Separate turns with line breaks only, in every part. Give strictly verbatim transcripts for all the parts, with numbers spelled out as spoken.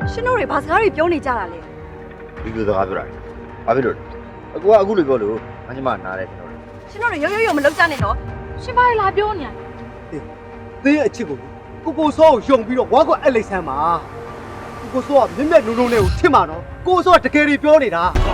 ရှင်တို့တွေဘာစကားတွေပြောနေကြတာလဲ
ဒီလိုစကားပြောတာဘာဖြစ်လို့အကူကအခုလိုပြောလို့အညီမနားတယ်ကျွန်တော်
ရှင်တို့တွေရုပ်ရုပ်ရုပ်မလုပ်ကြနဲ့နော်
ရှင်ဘာလာပြောနေရလဲ
သင်ရဲ့အချစ်ကိုကိုကိုစောကိုယုံပြီးတော့ဝါကွက်အဲ့လိမ့်ဆန်းပါကိုကိုစောကမြင့်မြတ်နုံနုံနဲ့ကိုချစ်မှာနော်ကိုစောကတကယ်ကြီးပြောနေတာ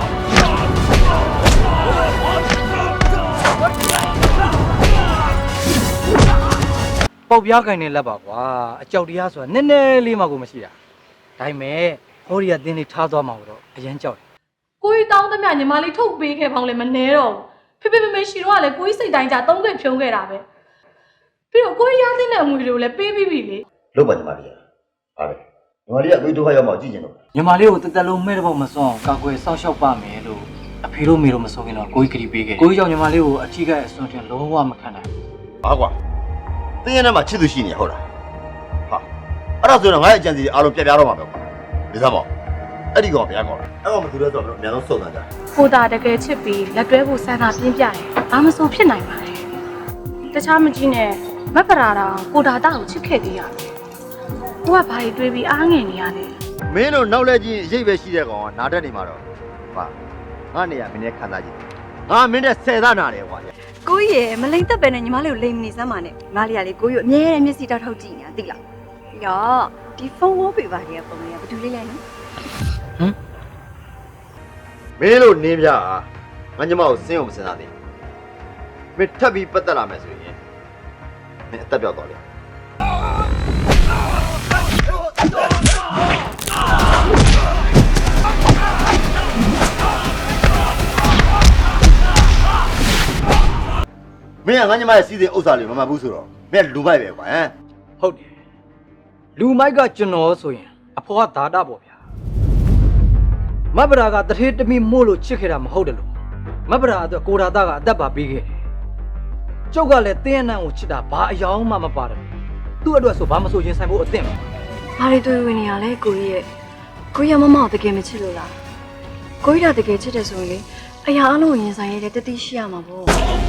ပေါက်ပြားကင်နေလက်ပါကွာအကြောက်တရားဆိုတာနည်းနည်းလေးမှကိုမရှိတာဒါပေမဲ့ဟောဒီကတင်းလေးထားသွားမှာတော့အရန်ကြောက်တယ်
ကိုကြီးတောင်းသမျှညီမလေးထုတ်ပေးခဲ့ပေါင်းလည်းမနှဲတော့ဘူးဖေဖေမေမေရှိတော့ကလည်းကိုကြီးစိတ်တိုင်းကြသုံးခွင့်ဖြုံးခဲ့တာပဲပြီးတော့ကိုကြီးရသင့်တဲ့အမွေတွေကိုလည်းပေးပြီးပြီလေ
လောက်ပါညီမလေးဟာလေညီမလေးကသွေးဒုက္ခရောက်မှကြည့်ကျင်တော့
ညီမလေးကိုတက်တက်လုံးမဲ့တော့မစွန့်အောင်ကာကွယ်စောင့်ရှောက်ပါမယ်လို့အဖေတို့မေတို့မဆိုခင်တော့ကိုကြီးကတိပေးခဲ့ကိုကြီးကြောင့်ညီမလေးကိုအထီးကအစွန့်တင်လုံးဝမခံနိုင်ဘူး
ဘာကွာတင်းရတဲ့မှာချစ်သူရှိနေဟုတ်လားဟာအဲ့ဒါဆိုတော့ငါ့ရဲ့အကြံစီအားလုံးပြပြတော့မှာပဲကွာဒီစားပေါ့အဲ့ဒီကောင်ဗျာကောင်အဲ့ကောင်မသူလဲဆိုတော့အများဆုံးစုံစမ်းကြ
ကိုတာတကယ်ချစ်ပြီးလက်တွဲဖို့စမ်းသာပြင်းပြတယ်ဘာမဆိုဖြစ်နိုင်ပါလဲတခြားမကြီးနဲ့မက်ပရာတာကိုတာတာကိုချစ်ခဲ့သေးရတယ်ကိုကဘာတွေတွေးပြီးအားငယ်နေရလဲ
မင်းတို့နောက်လဲကြီးရိပ်ပဲရှိတဲ့ကောင်ကနားတက်နေမှာတော့ဟာငါနေရမင်းနဲ့ခံစားကြည့်ငါမင်းနဲ့ဆယ်သားနာတယ်ကွာ
ကိုကြီးရယ်မလိမ့်သက်ပဲနဲ့ညီမလေးကိုလိမ့်မနေစမ်းပါနဲ့ညီမလေးကလေကိုကြီးကိုအမြဲတမ်းမျက်စိတောက်ထောက်ကြည့်နေတာသိလားပြီးတော့ဒီဖုန်းဝေါ်ပေပါတွေကပုံတွေကဘာတူလေးလဲနော်
ဟမ်
မင်းတို့နင်းပြငါညီမကိုစင်းအောင်မစင်စားသေးမင်းထပ်ပြီးပတ်သက်လာမယ်ဆိုရင်မင်းအသက်ပြောက်သွားလိမ့်မင်းကငါညီမရဲ့စီးစိမ်ဥစ္စာလေးမမှတ်ဘူးဆိုတော့မင်းလူမိုက်ပဲကွာဟမ်
ဟုတ်တယ်လူမိုက်ကကျွန်တော်ဆိုရင်အဖေကဓာတာပေါ့ဗျာမက်ပရာကတထေးတမိမို့လို့ချစ်ခဲ့တာမဟုတ်တယ်လို့မက်ပရာအတွက်ကိုရာတာကအသက်ပါပေးခဲ့တယ်ကျုပ်ကလည်းတင်းအနံ့ကိုချစ်တာဘာအယောင်မှမပါတယ်သူ့အတွက်ဆိုဘာမဆိုရင်ဆိုင်ဖို့အသင့်ပဲ
ဘာတွေတွေ့ဝင်နေရလဲကိုကြီးရဲ့ကိုကြီးကမမကိုတကယ်မချစ်လို့လားကိုကြီးကတကယ်ချစ်တယ်ဆိုရင်လေအရာအလုံးကိုရင်ဆိုင်ရတဲ့တတိရှိရမှာပေါ့